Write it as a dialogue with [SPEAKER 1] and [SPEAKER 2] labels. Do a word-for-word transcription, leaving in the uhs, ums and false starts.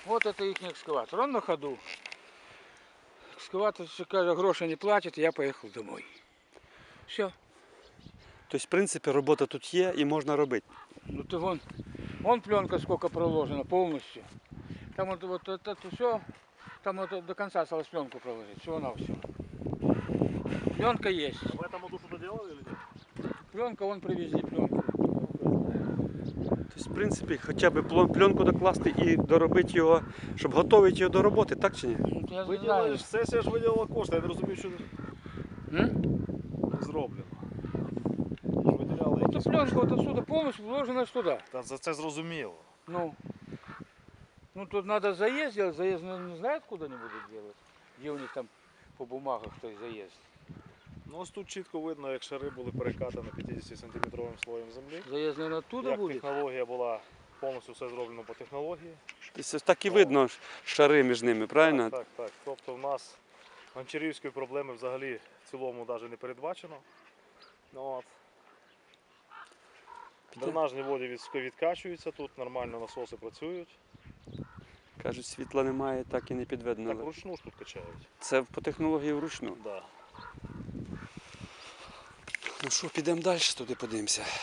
[SPEAKER 1] Вот это их экскаватор. Он на ходу. Экскаватор, каже, гроши не платит, я поехал домой. Все.
[SPEAKER 2] Тобто, в принципі, робота тут є і можна робити.
[SPEAKER 1] Ну ты вон, вон пленка сколько проложена полностью. Там вот, вот это все, там вот до конца осталось пленку проложить, всего на все. Пленка есть.
[SPEAKER 3] В этом году что-то делали или нет?
[SPEAKER 1] Пленка, вон привезли пленку.
[SPEAKER 2] Тобто, в принципі, хоча б плон- пленку докласти і доробити його, щоб готувати його до роботи, так чи ні?
[SPEAKER 1] Ну, я
[SPEAKER 3] Ви
[SPEAKER 1] не знаю.
[SPEAKER 3] ділили, сесія ж виділила кошти, я не розумію, що
[SPEAKER 1] М?
[SPEAKER 3] зроблено. Ви ж виділяли
[SPEAKER 1] Вот
[SPEAKER 3] якісь
[SPEAKER 1] пленка вот отсюда полностью вложена туда.
[SPEAKER 3] Та за це зрозуміло.
[SPEAKER 1] Ну, ну тут надо заезд делать, заезд ну, не знает, куда они будут делать. Где у них там по бумагах той заезд.
[SPEAKER 3] Ну ось тут чітко видно, як шари були перекатані п'ятдесятисантиметровим слоєм землі.
[SPEAKER 1] Заезд, наверное, оттуда
[SPEAKER 3] Як
[SPEAKER 1] будет.
[SPEAKER 3] технологія була, повністю все зроблено по технології.
[SPEAKER 2] Тобто, так і видно шари між ними, правильно?
[SPEAKER 3] Так, так, так. Тобто в нас гончарівської проблеми взагалі в цілому навіть не передбачено. Ну, от. Дренажні води від- відкачуються, тут нормально насоси працюють.
[SPEAKER 2] Кажуть, світла немає, так і не підведено.
[SPEAKER 3] Так вручну ж тут качають.
[SPEAKER 2] Це по технології вручну.
[SPEAKER 3] Да.
[SPEAKER 2] Ну що, підемо далі, туди подивимося.